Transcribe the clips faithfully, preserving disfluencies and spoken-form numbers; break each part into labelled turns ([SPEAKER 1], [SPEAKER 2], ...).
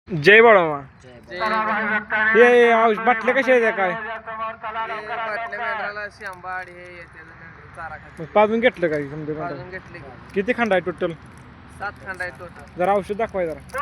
[SPEAKER 1] जय बाळामा.
[SPEAKER 2] जय बाबा.
[SPEAKER 1] हे औष बाटल्या कशा आहेत काय?
[SPEAKER 2] हे बाटल्या मेंढराला शिंबाड हे येते चारा खाते.
[SPEAKER 1] मग पाजून घेतलं काय समजा
[SPEAKER 2] पाजून घेतले की.
[SPEAKER 1] किती खंड आहे टोटल?
[SPEAKER 2] सात खंड आहे टोटल.
[SPEAKER 1] जरा औषध दाखवाय जरा.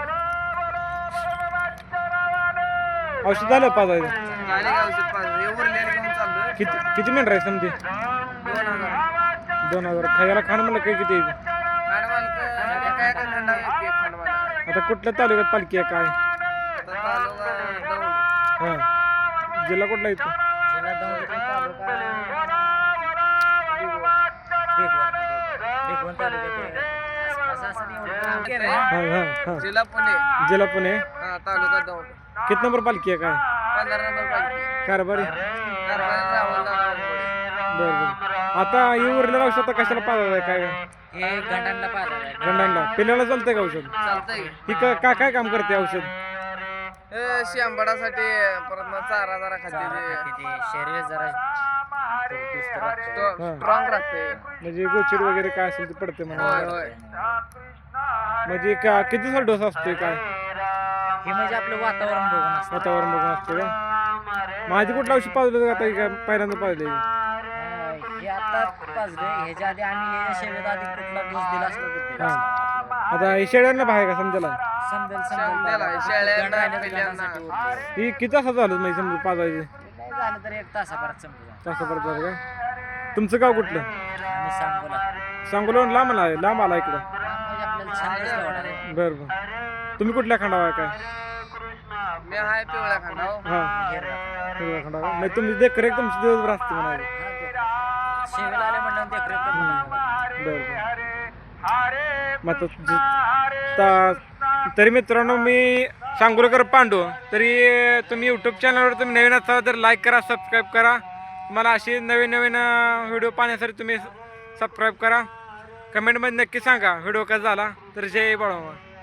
[SPEAKER 1] औषध झालं पाजायचं?
[SPEAKER 2] झाले का औषध पाजून? हे उरलेलं घेऊन चाललोय.
[SPEAKER 1] किती किती मेंढर आहे समजे?
[SPEAKER 2] दोन हजार.
[SPEAKER 1] दोन हजार खायला खाणं म्हणलं काय किती आहे?
[SPEAKER 2] खंड मालक एका एका खंडावर एक एक खंड मालक.
[SPEAKER 1] आता कुठल्या तालुक्यात पालखी आहे काय?
[SPEAKER 2] आता तालुका दौंड.
[SPEAKER 1] हां, जिल्हा कुठला येतो?
[SPEAKER 2] जिल्हा दौंड तालुका बेगवण तालुक्यात. असं असं नाही एवढं.
[SPEAKER 1] हां हां हां.
[SPEAKER 2] जिल्हा पुणे.
[SPEAKER 1] जिल्हा पुणे.
[SPEAKER 2] हा तालुका दौंड.
[SPEAKER 1] किती नंबर पालखी आहे काय?
[SPEAKER 2] पंधरा नंबर पाहिजे.
[SPEAKER 1] कारभारी?
[SPEAKER 2] कारवानी रावण
[SPEAKER 1] बरं बरं. आता हे उरलेलं औषध आता कशाला पाजायचं आहे काय?
[SPEAKER 2] हे गंडांना पाहिजे.
[SPEAKER 1] गंडांना पिल्याला चालतंय का औषध?
[SPEAKER 2] चालतंय.
[SPEAKER 1] ही का का- काय काम करते औषध?
[SPEAKER 2] हे शिंबाडासाठी परत मग चारा जरा खाते.
[SPEAKER 3] शरीर जरा
[SPEAKER 1] हा.
[SPEAKER 2] स्ट्रॉंग राहते.
[SPEAKER 1] म्हणजे गोचिड वगैरे काय असेल ते पडते म्हणा.
[SPEAKER 2] होय होय.
[SPEAKER 1] म्हणजे का किती दिवसाला डोस असतोय काय?
[SPEAKER 3] हे म्हणजे आपलं वातावरण बघून असतं.
[SPEAKER 1] वातावरण बघून असते का? माझी कुठलं औषध पाजलं आता? काय पहिल्यांदा पाजले?
[SPEAKER 3] हे आता पाजले ह्याच्या आधी आम्ही ह्याच्या शेवेत आधी कुठला डोस दिला असला तर दिला
[SPEAKER 1] हा.
[SPEAKER 3] असता.
[SPEAKER 1] आता हे शेळ्यांना बाहेर का समजायला?
[SPEAKER 3] समजेल
[SPEAKER 2] समजेल आहे. शेळ्यांना,
[SPEAKER 3] गंड राहिलं तर
[SPEAKER 2] पिल्ल्यांना.
[SPEAKER 3] गंडासाठी उरलं.
[SPEAKER 1] ही किती तासात झालं म्हणजे समजा पाजायचे?
[SPEAKER 3] नाही झालं तर एक तासाभरात समजेल.
[SPEAKER 1] तासा परत झालं का? तुमचं गाव कुठलं?
[SPEAKER 3] आम्ही सांगोला
[SPEAKER 1] सांगोला लांब आला आहे? लांब आला इकडं?
[SPEAKER 3] म्हणजे आपल्याला छंदच तेवढा आहे.
[SPEAKER 1] बरं बरं. तुम्ही कुठल्या खंडावा आहे काय?
[SPEAKER 2] मी आहे पिवळ्या खांडाव.
[SPEAKER 1] हां,
[SPEAKER 3] हेर राहतो.
[SPEAKER 1] कुठल्या खंडावा? म्हणजे तुमची देखरेख तुमची दिवसभर असते म्हणाली.
[SPEAKER 3] हा, ते. शेवेला आले म्हणलं देखरेख करून
[SPEAKER 1] बरं बरं. मग आता जी- ता- तरी मित्रांनो मी सांगोलकर पांडू. तरी तुम्ही यूट्यूब चॅनलवर तुम्ही नवीन असाल तर लाईक करा, सबस्क्राईब करा. तुम्हाला असे नवीन नवीन व्हिडिओ पाहण्यासाठी तुम्ही सबस्क्राईब करा. कमेंटमध्ये नक्की सांगा व्हिडिओ कसा झाला. तर जय बाळामा.